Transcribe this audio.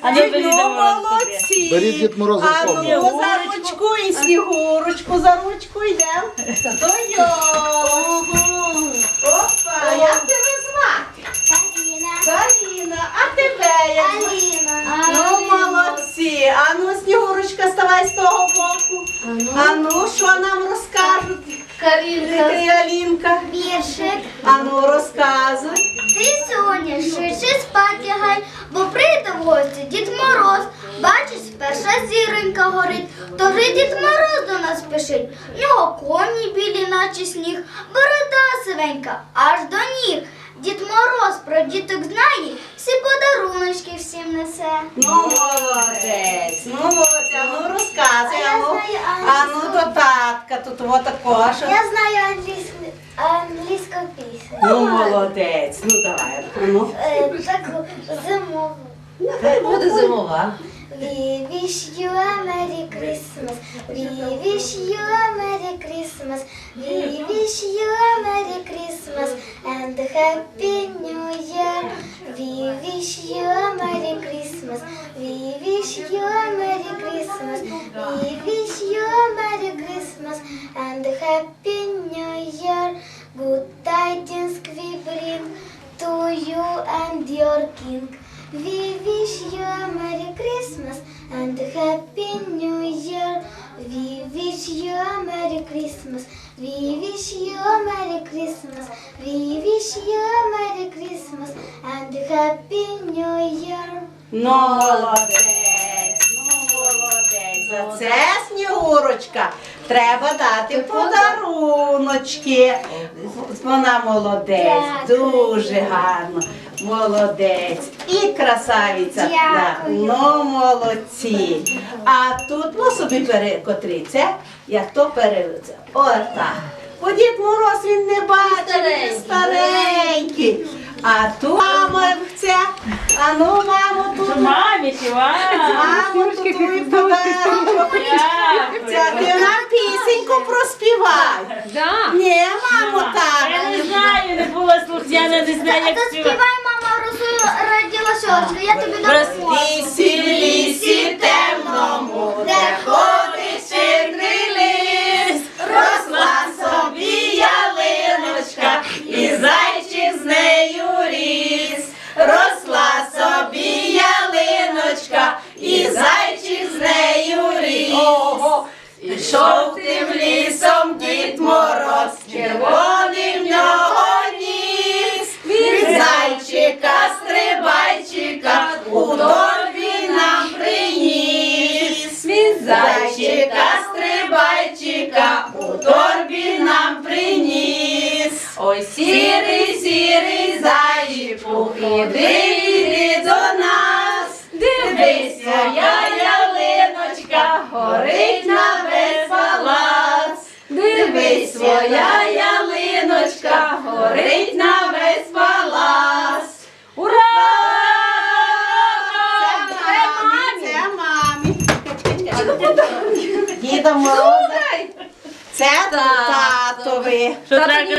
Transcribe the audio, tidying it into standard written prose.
молодці. Беріть Дід Мороза А слово. ну за ручку і Снігурочку за ручку йдемо. До йолки. Опа, як тебе звати? Каріна. А тебе як звати? Ну, молодці. А ну, Снігурочка, ставай з того боку. А ну, що нам розкажуть? Карінка, Ти, Алінка. віршик. А ну, розказуй. Ти, Соня, швидше спать лягай, бо прийде в гості Дід Мороз. Бачиш, перша зіронька горить, то вже Дід Мороз до нас спішить. В нього коні білі, наче сніг, борода сивенька, аж до ніг. Дід Мороз про діток знає, всі подаруночки всім несе. Ну, молодець, ну, молодець, а ну, розказуй, А я знаю а ну, до татка, тут вот такого, що... Я знаю англійську пісню. Ну, молодець, ну, давай, ну. Таку зимову. Хай буде зимова. We wish you a Merry Christmas. We wish you a Merry Christmas. We wish you a Merry Christmas and a Happy New Year. We wish you a Merry Christmas. We wish you a Merry Christmas. We wish you a Merry Christmas and a Happy New Year. Good tidings we bring to you and your king. We wish you a Merry Christmas and a Happy New Year. We wish you a Merry Christmas. We wish you a Merry Christmas. We wish you a Merry Christmas and a Happy New Year. Ну, молодець, ну, молодець. За це, Снігурочка, треба дати подаруночки. Вона молодець, дуже гарно. Молодець. І красавиця. Да. Ну, молодці. А тут, ну, собі перекотріться, як то перевиться. Отак. Бо Дід Мороз, він не бачить, він старенький. А тут мама ця, а ну, мамо, тут. Мамі, Мамо, тут твій подарунок. Ця, ти нам пісеньку проспівай. Да. Ні, мамо, так. Я не знаю, не було слухняна, не знаю, А як то співати. співай, мама, родила сьогодні, я тобі допоможу. Лісі, лісі темному, де ходить чорний ліс, росла собі ялиночка, і зайчик з нею ріс. Росла собі ялиночка, і зайчик з нею ріс. Пішов тим лісом Дід Мороз, червоний в нього ніс. Від зайчика, стрибайчика, у торбі нам приніс. Від зайчика, стрибайчика, у торбі нам приніс. Ой, сірий, сірий зайчику, іди до нас. Дивись, моя ялиночка, горить на весь палац. Дивись, своя ялиночка, горить на весь палац. Ура! Це мамі. Діда Мороза. Це татові. Що треба